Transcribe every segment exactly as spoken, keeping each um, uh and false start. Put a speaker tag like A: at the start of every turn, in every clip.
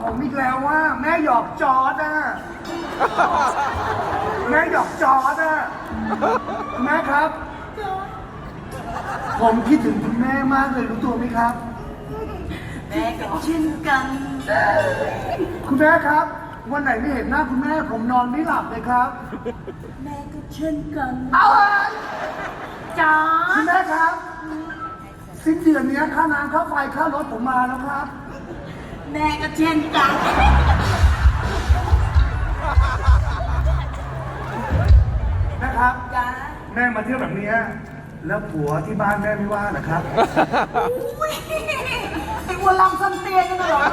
A: ผมอีกแล้วว่าแม่หยอกจอร์ดอะแม่หยอกจอร์ดอะแม่ครับ ผมคิดถึงคุณแม่มากเลยรู้ตัวไหมครับ
B: แม่ก็เช่นกัน
A: คุณแม่ครับ วันไหนไม่เห็นหน้าคุณแม่ผมนอนไม่หลับเลยครับ
B: แม่ก็เช่นกัน
A: เอาเลย
B: จ้า
A: คุณแม่ครับสิ้นเดือนนี้ค่าน้ำค่าไฟค่ารถผมมาแล้วครับ
B: แม่ก็เช่นกัน
A: นะครับ
B: จ้า
A: แม่มาเที่ยวแบบนี้แล้วผัวที่บ้านแม่ไม่ว่าเหรอครับ
B: อุ้ยไอ้วัวลำซันเตียนกันเหรอ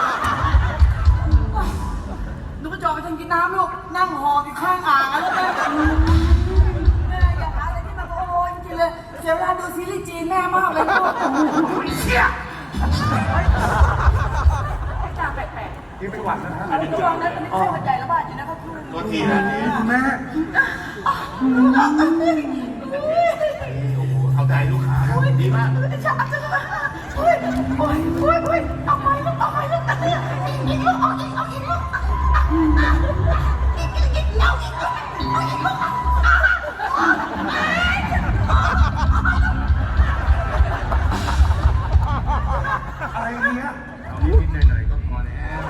B: ลูกกระจอกไปทางกินน้ำลูกนั่งหอบอยู่ข้างอ่างแล้วแม่แม่อย่าหาอะไรที่มาโอ้ยจริงเลยเสียเวลาดูซีรีส์จีนแม่มากเลยลูกเชี่ยจ้าแปลกๆ
A: นี่เป็นหวัดนะฮะ
B: อันนี้ระวังนะตอนนี้ไข้หวัดใหญ่ระบาดอยู่นะครับคุณ
C: ตัวทีนะที
A: คุณแม่
C: โอ้โหเอาใจลูกค้าดีมาก
B: จ้าจ้าโอ้ยโอ้ยโอ้ยโอ้ยเอาไปลูกเอาไปลูกอีกอีกลูกเอาอีกเอาอีกลูกอีกอีกอีกเอาอีกลูกเอาอีกลูก
A: อะไรเนี้ย
C: นิดๆหน่อยๆก็พอแล้ว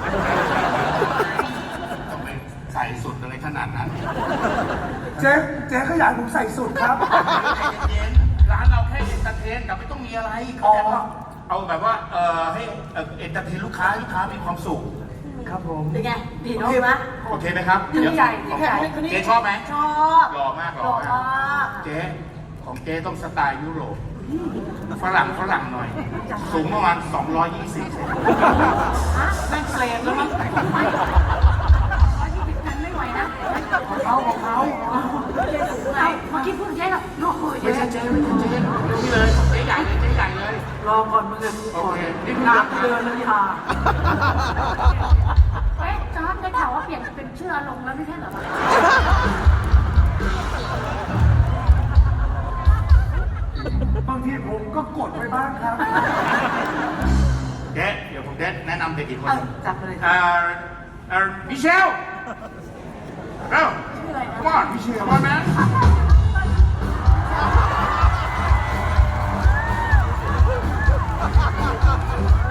C: ต้องไปใส่สุดอะไรขนาดนั้น
A: เจ๊เจ๊ก็อยากผมใส่สุดครับ
C: เย็นร้านเราแค่เอนเตอร์เทนแต่ไม่ต้องมีอะไรเข้าใจป่ะเอาแบบว่าเออให้เอ่อเอนเตอร์เทนลูกค้าลูกค้ามีความสุข
A: ครับผม
B: เป็นไงดีเนาะไหม
C: โอเคไหมครับ
B: ดีใจดีใจ
C: เจ๊ชอบไหม
B: ชอบ
C: หล่อมากห
B: ห
C: ล่
B: ล่
C: อ
B: อ
C: มาก
B: มาก
C: เจ๊ของเจ๊ต้องสไตล์ยุโรปฝรั่งฝรั่งหน่อย สูงประมาณสองร้อยยี่สิบเซน
B: ฮะแม่งเฟรมแล้วมั้งร้อยยี่สิบกันไม่ไหวนะ
A: เขาของเขา
B: ไงเมื่อกี้พูดเจ๊หรอโอ้ย
C: ไม่ใช่เจ๊ไม่ใช่เจ๊นี่เลยเจ๊ใหญ่เลยเจ๊ใหญ่เลย
B: รอก่อนมึงเลย
C: โอเคนี่
B: น้ำเดินเลยค่ะ
D: เฮ้ยจอร์ดได้ข่าวว่าเปลี่ยนเป็นชื่ออารมณ์แล้วไม่ใช่เหรอ
A: บางทีผมก็กดไปบ้างครับ
C: เจ๊เดี๋ยวผมเจ๊แนะนำเด็กอีกคน
B: จับไปเลย
C: เอ่อเอ่อมิเชลเร็ว come on มิเชล come on man